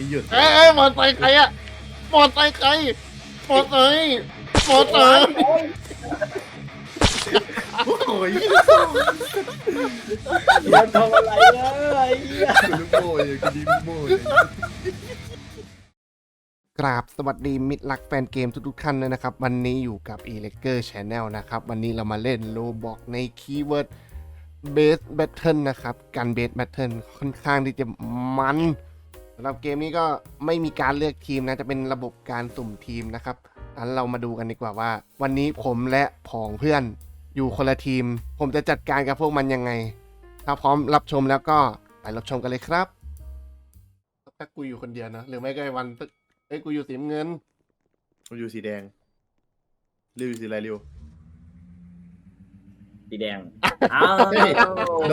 หยุดมอไซค์ใครอะมอไซค์ใครมอไซค์มอไซค์โอ้ยเดี๋ยวทำอะไรนะไอ้เหี้ยกูลูกโม่เลยกูดีลูกโม่เลยกราบสวัสดีมิตรรักแฟนเกมทุกๆท่านเลยนะครับวันนี้อยู่กับ e l e g e r Channel นะครับวันนี้เรามาเล่นโลบอกในคีย์เวิร์ด Base Battle นะครับการ Base Battle ค่อนข้างที่จะมันสำหรับเกมนี้ก็ไม่มีการเลือกทีมนะจะเป็นระบบการสุ่มทีมนะครับงั้นเรามาดูกันดีกว่าว่าวันนี้ผมและผองเพื่อนอยู่คนละทีมผมจะจัดการกับพวกมันยังไงถ้าพร้อมรับชมแล้วก็ไปรับชมกันเลยครับถ้ากูอยู่คนเดียวนะหรือไม่ก็ไอ้วันกูอยู่สีน้ำเงินกูอยู่สีแดงริวอยู่สีอะไรริวสีแดงอ้าวโด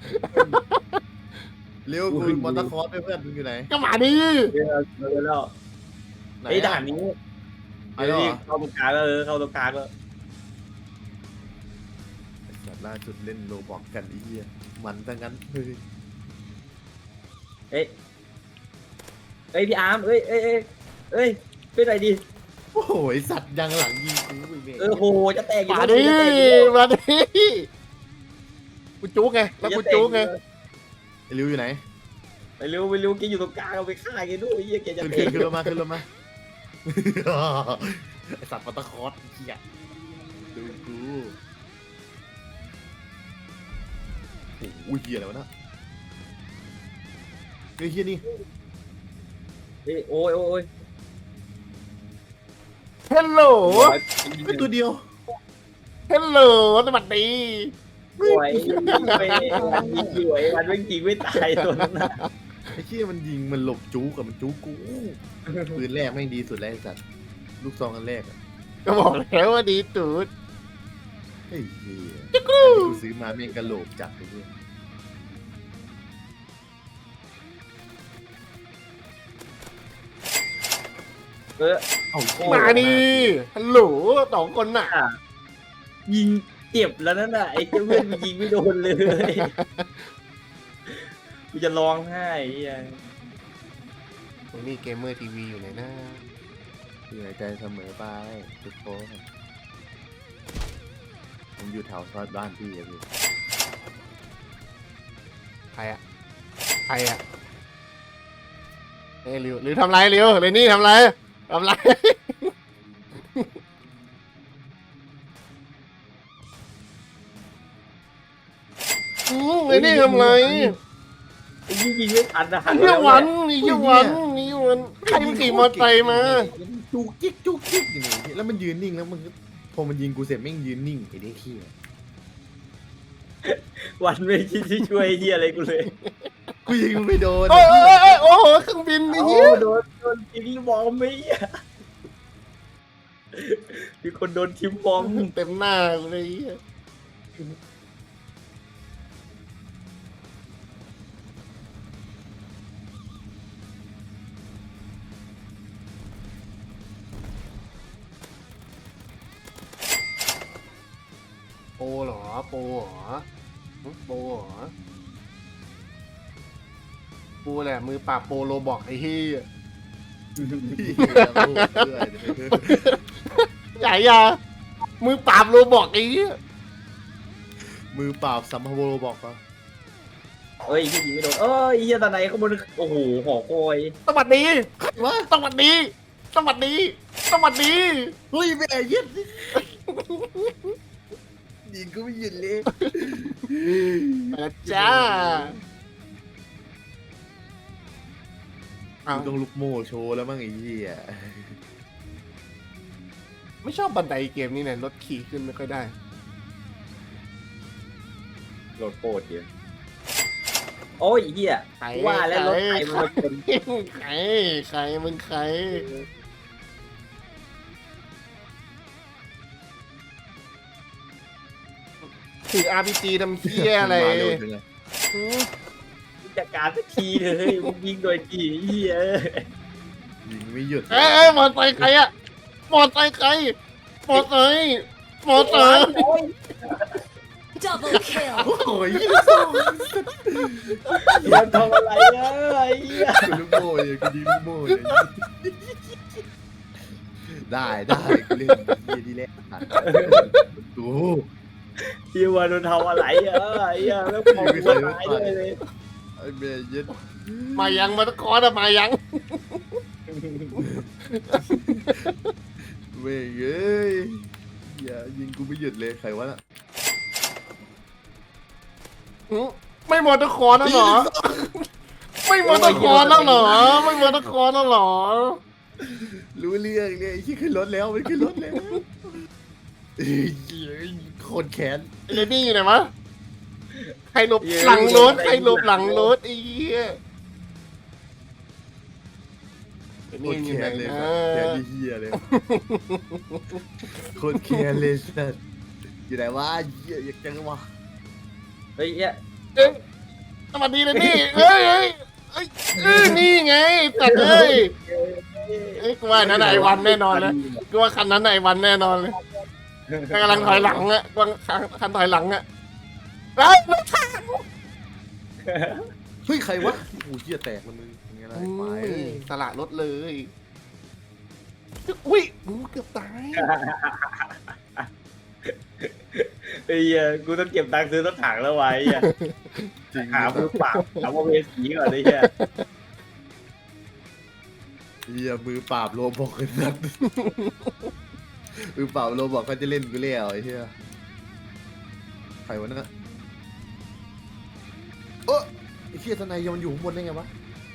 ริวกูมอเตอร์คอร์สเพื่อนมึงอยู่ไหนก็มาดิเดี๋ยวแล้วไหนไอ้ด่านนี้ไอ้เหรอเข้าตรงกลางแล้วเข้าตรงกลางแล้วสัตว์ล่าสุดเล่นโลบอกกันไอ้เหี้ยมันตั้งงั้นเฮ้ยเอ้ยพี่อาร์มเอ้ยเป็นไรดีโอ้โหไอ้สัตว์ยังหลังยิงกูอีกเนี่ยโหจะแตกอยู่มาดิมาดิกูจุกไงแล้วกูจุกไงไอ้ริวอยู่ไหนไปเร็วแกอยู่ตรงกลางเอาไปฆ่าแกด้วยไอ้เหี้ยแกจะขึ้นแตขึ้กนลงมาขึ้นลงมาไอ้สัตว์มอเตอร์คอร์สไอ้เหี้ยดูกูโอ้โหเหี้ยอะไรวะเนะเฮ้ยเหี้ยนี่โอ้ยเฮลโหลไอ้ตัวเดียวเฮลโหลสวัสดีสวยไปวันยิงสวยวันไม่ยิงไม่ตายตัวนั้นนะไอ้เหี้ยมันยิงมันหลบจู๊กับมันจู๊กูปืนแรกแม่งดีสุดแล้วไอ้สัตว์ลูกซองอันแรกอะก็บอกแล้วว่าดีตูดไอ้เหี้ยอันที่กูซื้อมาแม่งกระโหลกจัดไอ้เหี้ยเออเอ้ามาดิฮัลโหลสองคนน่ะยิงเจ็บแล้วนั่นน่ะไอ้เพื่อนมันยิงไม่โดนเลยกูจะร้องไห้ไอ้เหี้ยตรงนี้เกมเมอร์ทีวีอยู่ไหนนะอยู่ในใจเสมอไปทุกคนผมอยู่แถวซอยบ้านพี่อะพี่ใครอะเอ้ยหรือทำไรเร็วเลยนี่ทำไรเลยนี่ทำไรไอ้ยิงไม่ทันนะหันเยี่ยวันใครมันขี่มอเตอร์ไซค์มาจุกจิ๊กจุกจิ๊กอยู่นี่แล้วมันยืนนิ่งแล้วมันก็พอมันยิงกูเสร็จแม่งยืนนิ่งไอ้เด็กขี้ยวันไม่คิดที่ช่วยไอ้เหี้ยอะไรกูเลยกูยิงมันไม่โดนโอ้โหเครื่องบินนี่โอ้เหี้ยโดนทีมบอมไม่เหี้ยมีคนโดนทีมบอมเต็มหน้าเลยเหี้ยโปเหรอโปกูแหละมือปราบโปโลบอกไอ้เหี้ยใหญ่ยามือปราบโลบอกไอ้เหี้ยมือเปล่าสัมภโวโรบอกปะเอ้ยยิงไม่โดนไอ้เหี้ยตาไหนข้างบนโอ้โหหอคอยสวัสดีวะสวัสดีสวัสดีเฮ้ยแม่เย็ดยิงก็ไม่หยุดเลยมาจ้าเอากูต้องลุกโม่โชว์แล้วมั้งไอ้เหี้ยไม่ชอบบันไดเกมนี้เนี่ยรถขี่ขึ้นไม่ค่อยได้โหลดโปรดเยอะโอ้ยไอ้เหี้ยว่าแล้วรถไฟมันมาชนใครมึงใครถือ RPG ทำเหี้ยอะไรมาเร็วจังเลยหือจัดการสักทีเลยมึงยิงโดยกี่เหี้ยยิงไม่หยุดมอไซค์ใครอะมอไซค์ใครมอไซค์โอ้ย Double kill. โอ้โหยี่ลูกซองมันทำอะไรอะไอ้เหี้ยกูลูกโม่เลยกูยิงลูกโม่เลยได้กูเล่นเยี่ยดีแล้วกูพี่วันมันทำอะไรอะไอ้เหี้ยแล้วพอกูตายเลยไอ้แม่เย็ดมายังมาตะคอนอะมายังเว้ยเอ้ยอย่ายิงกูไม่หยุดเลยใครวะน่ะไม่หมดตะคอนแล้วเหรอ ไม่หมดตะคอนแล้วเหรอ ไม่หมดตะคอนแล้วเหรอรู้เรื่องเลยไอ้ที่ขึ้นรถแล้วมันขึ้นรถแล้วเอ้ยโคตรแค้นไอ้เลดี้อยู่ไหนวะใครหลบหลังรถใครหลบหลังรถไอ้เหี้ยไอ้โคนี่ตรอยู่แค้ไหนนเลยนะแค้นที่เฮียเลยโคตรแค้นเลยสัสอยู่ไหนวะเฮียอยากเจอวะเฮ้ยเนี่ยเอ้ยสวัสดีเลยนี่เอ้ยนี่ไงตัดเลยเอ้ยกูว่านั่นไอ้วันแน่นอนเลยกูว่าคันนั้นไอ้วันแน่นอนเลยกำลังถอยหลังอะกำลังคันถอยหลังอะเอ้ยรถถังเฮ้ยใครวะโอ้เฮียแตกมันมึงยังไงล่ะไอ้ไปสละรถเลยอุ้ยกูเกือบตายไอ้เหี้ยกูต้องเก็บตังค์ซื้อรถถังแล้วไว้ไอ้เหี้ยจริงหามือเปล่าหาโมเวสีก่อนไอ้เหี้ยเฮียมือปราบโลบอกกันสัสมือปราบโลบอกเขาจะเล่นกูแล้วไอ้เฮียใครวะนั่นโอ้ไอ้เฮียทนายยังมันอยู่ข้างบนได้ไงวะ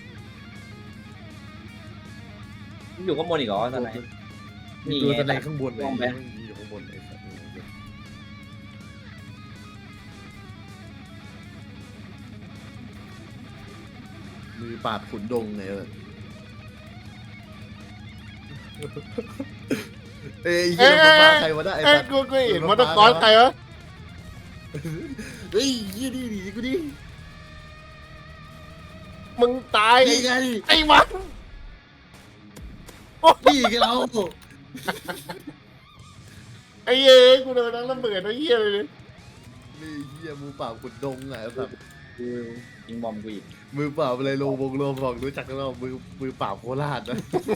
มึงอยู่ข้างบนอีกเหรอตอนไหนมีนี่ตัวไงทนายข้างบนเลยมองไปมันอยู่ข้างบนไอ้สัสมือปราบขุนดงไงเอ้ยเฮียรถไฟฟ้าใครวะน่ะไอ้เอ้ยสัสกูเห็นมอเตอร์คอร์สใครวะเฮ้ยยี่ดีดีกูดิมึงตายนี่ไงไอ้วันนี่ไงเราไอ้เย้ยกูโดนทั้งระเบิดทั้งเหี้ยเลยนี่เฮียมือเปล่าขุดดงอ่ะแบบกูยิงบอมกูอีกมือเปล่าอะไรโลบงโลบอกรู้จักกันเรามือเปล่าโคราชนะ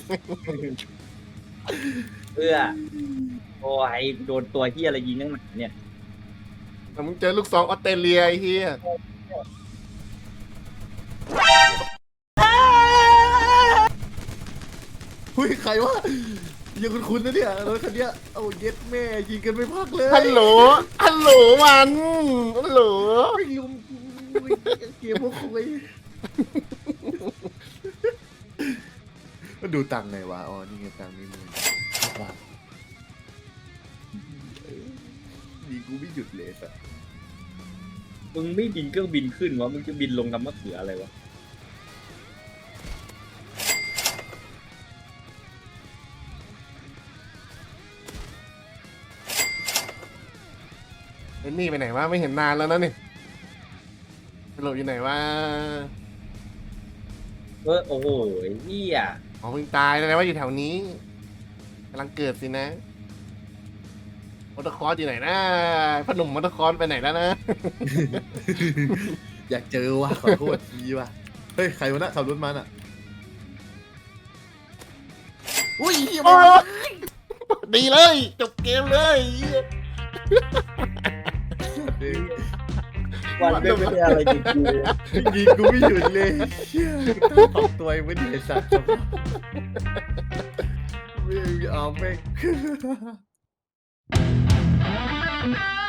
เพื่อโอ้ยโดนตัวเหี้ยอะไรยิงนั่งหนาเนี่ยแต่มึงเจอลูกซองออสเตรเลียไอ้เหี้ยเฮ้ยใครวะยังคุ้นๆนะเนี่ยรถคันเนี้ยเอาเย็ดแม่ยิงกันไม่พักเลยฮัลโหลฮัลโหลวันฮัลโหลไม่ลุมเกมพวกคุยมันดูตังค์ไงวะอ๋อนี่ไงตังค์นี่มึงว้าวดีกูไม่หยุดเลยสัสมึงไม่บินเครื่องบินขึ้นวะมึงจะบินลงน้ำมะเขืออะไรวะไอ้นี่ไปไหนวะไม่เห็นนานแล้วนะนี่ไปหลบอยู่ไหนวะโอ้โหไอ้เหี้ยอ๋อเพิ่งตายแล้วว่าอยู่แถวนี้กำลังเกิดสินะมอเตอร์คอร์สอยู่ไหนนะพอหนุ่มมอเตอร์คอร์สไปไหนแล้วนะอยากเจอว่ะขอโทษทีว่ะเฮ้ยใครวะน่ะขับรถมาน่ะอุ้ยเหี้ยโอ้ยดีเลยจบเกมเลยวันไม่ได้อะไรจริงๆเลยยิงกูไม่หยุดเลยเชี่ยตอกตัวเองไม่ดีไอ้สัตว์ไม่เอาแม่ง